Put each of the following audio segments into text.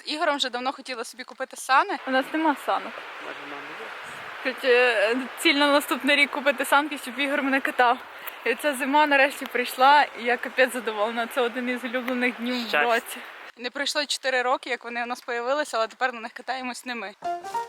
Ігорем вже давно хотіли собі купити сани. У нас нема санок. Ціль на наступний рік купити санки, щоб Ігор мене катав. І ця зима нарешті прийшла, і я капець задоволена. Це один із улюблених днів в році. Не пройшло 4 роки, як вони у нас з'явилися, але тепер на них катаємось не ми.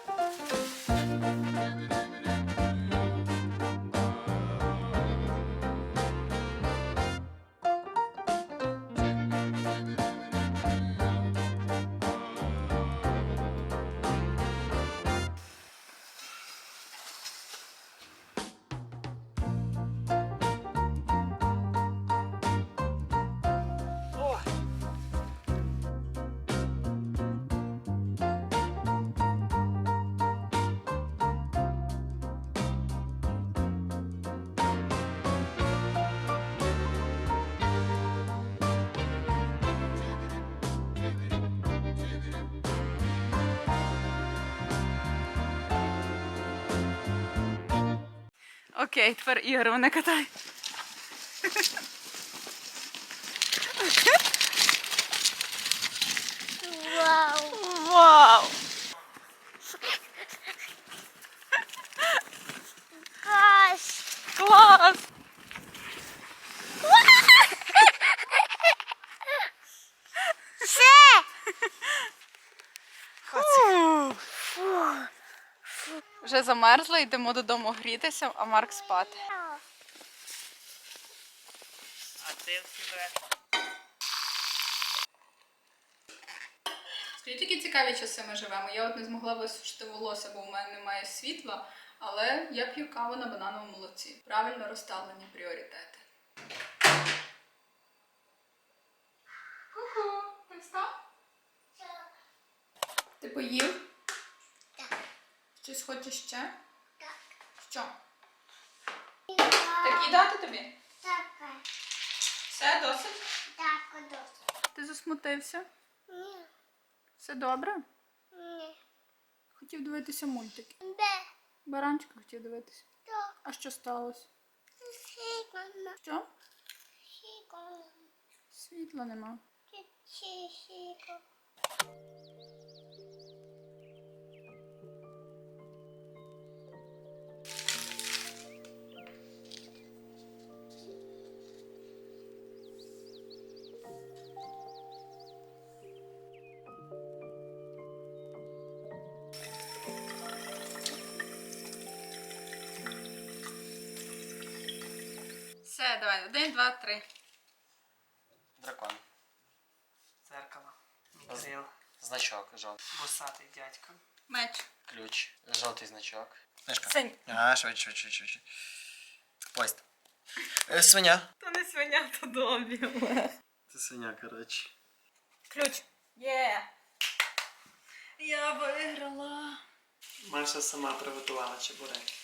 Окей, тепер Ігор мене катає. Вау! Вау! Клас! Клас! Все! Вже замерзли, йдемо додому грітися, а Марк спати. А ти всі Скажіть, які цікаві часи ми живемо. Я от не змогла висушити волосся, бо у мене немає світла, але я п'ю каву на банановому молоці. Правильно розставлені пріоритети. Ку-ку, ти встав? Ти поїв? Так. Щось хочеш ще? Так. Що? Так їдати тобі? Так. Все, досить? Так, досить. Ти засмутився? Ні. Все добре? Ні. Хотів дивитися мультики. Де? Баранчика хотів дивитися. Так. А що сталося? Сікона. Що? Сікона. Світла нема. Сіко. Все, давай. 1, 2, 3. Дракон. Зеркало. Мікрил. Значок жовтий. Бусатий дядько. Меч. Ключ. Жовтий значок. Книжка. Синь. А, швидше. Поїзд. Свиня. То не свиня, то домбі. Це свиня, коротше. Ключ. Є. Я виграла. Маша сама приготувала чебуреки.